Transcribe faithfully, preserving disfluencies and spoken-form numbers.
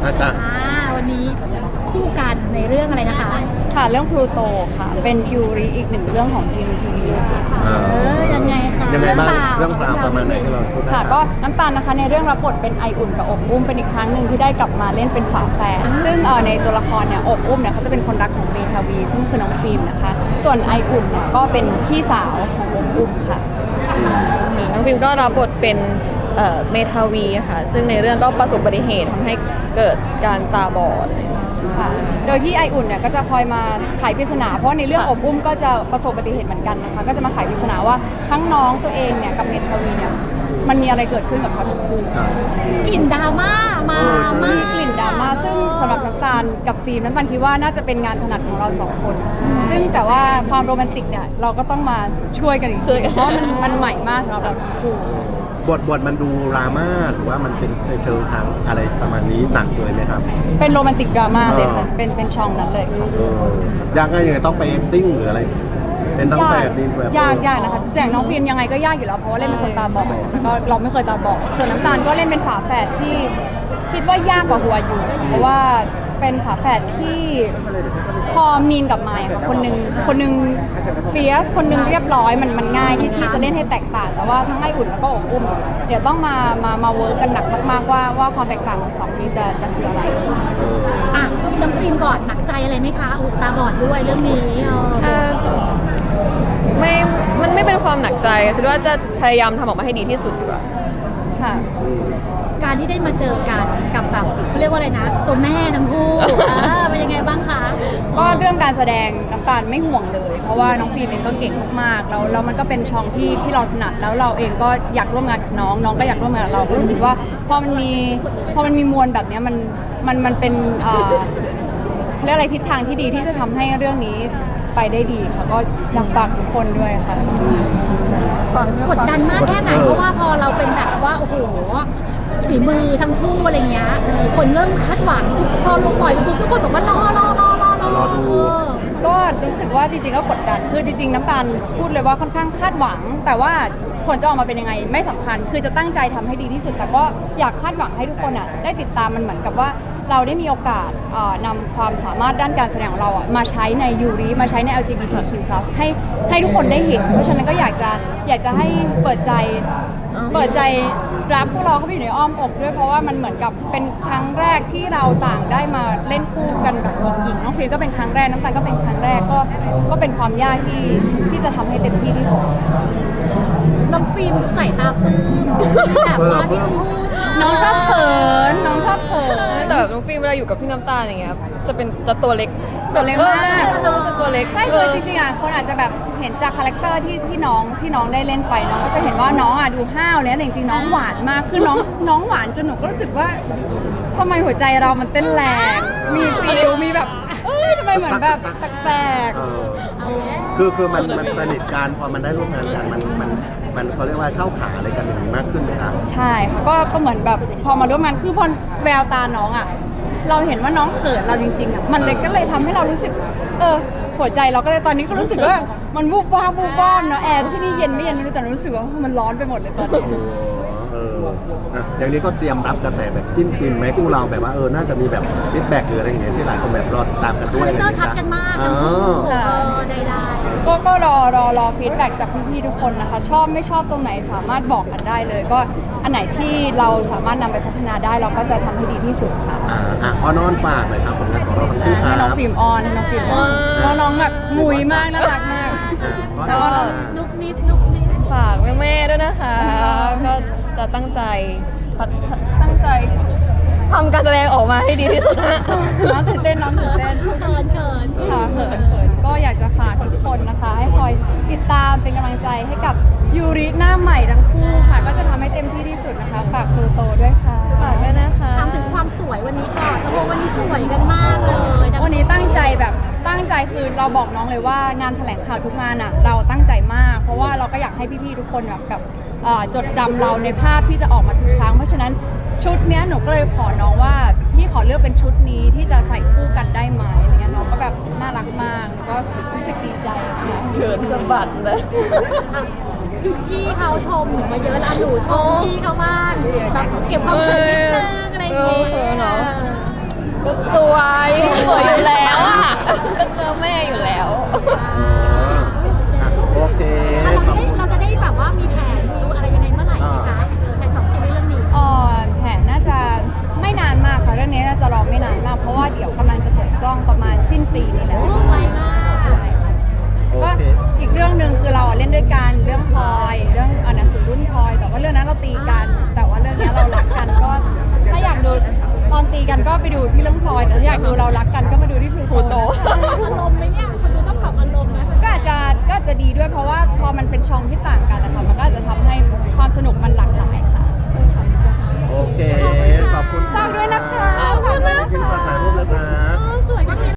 อาจารย์วันนี้คู่กันในเรื่องอะไรนะคะค่ะเรื่องพลูโตค่ะเป็นยูริอีกหนึ่งเรื่องของจีนทีวีเออยังไงคะยังไงบ้างเรื่องราวประมาณไหนที่เราพูดค่ะก็น้ำตาลนะคะในเรื่องรับบทเป็นไออุ่นกับอบอุ้มเป็นอีกครั้งหนึ่งที่ได้กลับมาเล่นเป็นฝาแฝดซึ่งในตัวละครเนี่ยอบอุ้มเนี่ยเขาจะเป็นคนรักของเมทาวีซึ่งคือน้องฟิล์มนะคะส่วนไออุ่นเนี่ยก็เป็นพี่สาวของอบอุ้มค่ะน้องฟิล์มก็รับบทเป็นเมทาวีค่ะซึ่งในเรื่องก็ประสบอุบัติเหตุทำให้เกิดการตาบอดค่ะโดยที่ไออุ่นเนี่ยก็จะคอยมาไขปริศนาเพราะในเรื่องอบอุ้มก็จะประสบอุบัติเหตุเหมือนกันนะคะก็จะมาไขปริศนาว่าทั้งน้องตัวเองเนี่ยกับเมทาวีเนี่ยมันมีอะไรเกิดขึ้นกับเขาทั้งคู่กลิ่นดราม่ามามีกลิ่นดราม่าซึ่งสำหรับน้ำตาลกับฟิล์มน้ำตาลคิดว่าน่าจะเป็นงานถนัดของเราสองคนซึ่งแต่ว่าความโรแมนติกเนี่ยเราก็ต้องมาช่วยกันอีกทีเพราะมันมันใหม่มากสำหรับเราทั้งคู่บทบทมันดูดราม่าหรือว่ามันเป็นในเชิงทางอะไรประมาณนี้หนักเลยไหมครับเป็นโรแมนติกดราม่าเลยค่ะเป็นเป็นช่องนั้นเลยค่ะยากง่ายยังไงต้องไปเอ็กติ้งหรืออะไรเป็นทั้งแฝดนี่แบบยากยากนะคะอย่างน้องฟิล์มยังไงก็ยากอยู่แล้วเพราะว่าเล่นเป็นคนตาบอดแล้วก็เราไม่เคยตาบอดส่วนน้ำตาลก็เล่นเป็นฝาแฝดที่คิดว่ายากกว่าหัวอยู่เพราะว่าเป็นฝาแฝดที่พอมีนกับมายค่ะคนนึงคนนึงเฟียสคนนึงเรียบร้อยมันมันง่ายที่ที่จะเล่นให้แตกต่างแต่ว่าทั้งไออุ่นแล้วก็อบอุ้มเดี๋ยวต้องมามามาเวิร์กกันหนักมากๆว่าว่าความแตกต่างของสองนี้จะจะคืออะไรอ่ะน้ำฟิล์มก่อนหนักใจอะไรไหมคะอุตาบอดด้วยเรื่องนี้ไม่มันไม่เป็นความหนักใจคือว่าจะพยายามทำออกมาให้ดีที่สุดดีกว่าค่ะการที่ได้มาเจอกันกับแบบเขาเรียกว่าอะไรนะตัวแม่ทั้งคู่เป็นยังไงบ้างคะก็เรื่องการแสดงน้ำตาลไม่ห่วงเลยเพราะว่าน้องฟิล์มเองก็เก่งมากๆแล้วแล้วมันก็เป็นช่องที่ที่เราถนัดแล้วเราเองก็อยากร่วมงานกับน้องน้องก็อยากร่วมงานกับเราก็รู้สึกว่าพอมันมีพอมันมีมวลแบบนี้มันมันมันเป็นเอ่อเรียกอะไรทิศทางที่ดีที่จะทำให้เรื่องนี้ไปได้ดีค่ะก็อยากฝากทุกคนด้วยค่ะกดดันมากแค่ไหนเพราะว่าพอเราเป็นแบบว่าโอ้โหฝีมือทั้งคู่อะไรเงี้ยคนเริ่มคาดหวังทุกพอลงปล่อยไปปุ๊บทุกคนบอกว่ารอรอรอรอรอดูก็รู้สึกว่าจริงๆก็กดดันคือจริงๆน้ำตาลพูดเลยว่าค่อนข้างคาดหวังแต่ว่าผลจะออกมาเป็นยังไงไม่สำคัญคือจะตั้งใจทำให้ดีที่สุดแต่ก็อยากคาดหวังให้ทุกคนอ่ะได้ติดตามมันเหมือนกับว่าเราได้มีโอกาสนำความสามารถด้านการแสดงของเราอ่ะมาใช้ในยูริมาใช้ใน แอล จี บี ที คิว พลัส ให้ให้ทุกคนได้เห็นเพราะฉะนั้นก็อยากจะอยากจะให้เปิดใจเปิดใจรับพวกเราเข้าไปอยู่ในอ้อมอกด้วยเพราะว่ามันเหมือนกับเป็นครั้งแรกที่เราต่างได้มาเล่นคู่กันแบบหญิงๆน้องฟิลก็เป็นครั้งแรกน้ำตาลก็เป็นครั้งแรกก็ก็เป็นความยากที่ที่จะทำให้เต็มที่ที่สุดน้องฟิล์มดูใส่ตาปลื้มแบบว่าพี่พูดน้องชอบเขินน้องชอบเขินแต่แบบน้องฟิล์มเวลาอยู่กับพี่น้ำตาลอย่างเงี้ยจะเป็นจะตัวเล็กตัวเล็กมากจะรู้สึกตัวเล็กใช่คือจริงๆอ่ะคนอาจจะแบบเห็นจากคาแรคเตอร์ที่ที่น้องที่น้องได้เล่นไปน้องก็จะเห็นว่าน้องอ่ะดูห้าวเนี่ยแต่จริงๆน้องหวานมากคือน้องน้องหวานจนหนูก็รู้สึกว่าทำไมหัวใจเรามันเต้นแรงมีฟิลมีแบบเอ้ยทำไมเหมือนแบบแปลกๆคือคือมันมันสนิทกันพอมันได้ร่วมงานกันมันมันมันเขาเรียกว่าเข้าขาอะไรกันอย่างนี้มากขึ้นไหมครับใช่ค่ะก็ก็เหมือนแบบพอมาร่วมงานคือพอแววตาน้องอ่ะเราเห็นว่าน้องเขินเราจริงๆอ่ะมันเลยก็เลยทำให้เรารู้สึกเออหัวใจเราก็เลยตอนนี้ก็รู้สึกว่ามันวูบวาบวูบวาบเนาะแอร์ที่นี่เย็นไม่เย็นไม่รู้แต่รู้สึกว่ามันร้อนไปหมดเลยตอนนี้เอออ่ะอย่างนี้ก็เตรียมรับกระแสแบบจิ้นฟินไหมพวกเราแบบว่าเออน่าจะมีแบบฟีดแบ็กหรืออะไรอย่างเงี้ยที่หลายคนแบบรอติดตามกันด้วยคาแรคเตอร์ชัดกันมากทั้งคู่ได้ได้ก็ก็รอรอรอฟีดแบ็กจากพี่ๆทุกคนนะคะชอบไม่ชอบตรงไหนสามารถบอกกันได้เลยก็อันไหนที่เราสามารถนำไปพัฒนาได้เราก็จะทำให้ดีที่สุดค่ะอ่าอ่ะพอนอนฝากเลยครับผลงานของเราทั้งคู่ครับน้องฟิล์มออนน้องฟิล์มออนน้องแบบงุยมากน่ารักมากแล้วก็นุกนิบนุกนิบฝากแม่ๆด้วยนะคะก็จะตั้งใจตั้งใจทำการแสดงออกมาให้ดีที่สุดน้องตื่นเต้นน้องตื่นเต้นเขินเขินค่ะเขินเขินก็อยากจะฝากทุกคนนะคะให้คอยติดตามเป็นกำลังใจให้กับยูริหน้าใหม่ทั้งคู่ค่ะก็จะทำให้เต็มที่ที่สุดนะคะฝากพลูโตด้วยค่ะฝากด้วยนะคะทำถึงความสวยวันนี้ก่อนโอ้โหวันนี้สวยกันมากเลยวันนี้ตั้งใจแบบตั้งใจคือเราบอกน้องเลยว่างานแถลงข่าวทุกงานอ่ะเราตั้งใจมากเพราะว่าเราก็อยากให้พี่ๆทุกคนแบบกับจดจำเราในภาพที่จะออกมาทุกครั้งเพราะฉะนั้นชุดเนี้ยหนูก็เลยขอน้องว่าพี่ขอเลือกเป็นชุดนี้ที่จะใส่คู่กันได้ไหมอะไรเงี้ยน้องก็แบบน่ารักมากแล้วก็รู้สึกดีใจค่ะเขินสะบัดเลยพี่เขาชมหนูมาเยอะแล้วหนูชมพี่เขาบ้างแบบเก็บความเขินนิดนึงอะไรอย่างเงี้ยสวยสวยอยู่แล้วอ่ะก็เจอแม่อยู่แล้วอ่ะโอเคเราขจะอบได้คุณเราจะได้แบบว่ามีแผนดูอะไรยังไงเมื่อไหร่คะแผนของซีรีส์เรื่องนี้เอ่อแผนน่าจะไม่นานมากค่ะเรื่องนี้น่าจะรอไม่นานมากเพราะว่าเดี๋ยวกำลังจะเปิดกล้องประมาณสิ้นปีนี้แหละโอ้ไวมากใช่ค่ะโอก็เคอีกเรื่องหนึ่งคือเราอะเล่นด้วยกันเรื่องพลอยเรื่องอ่านหนังสือรุ่นพลอย แต่ว่าเรื่องนั้นเราตีกัน แต่ว่าเรื่องนี้เรารักกันก็ถ้าอยากดูตอนตีกันก็ไปดูที่เรื่องพลอย แต่ถ้าอยากดูเรารักกันก็มาดูที่พลูพลูโตโตอารมณ์ไหมเนี่ยคนดูต้องปรับอารมณ์นะก็อาจจะก็อาจจะดีด้วยเพราะว่าพอมันเป็นช่องที่ต่างกันนะคะมันก็อาจจะทำให้ความสนุกมันหลาก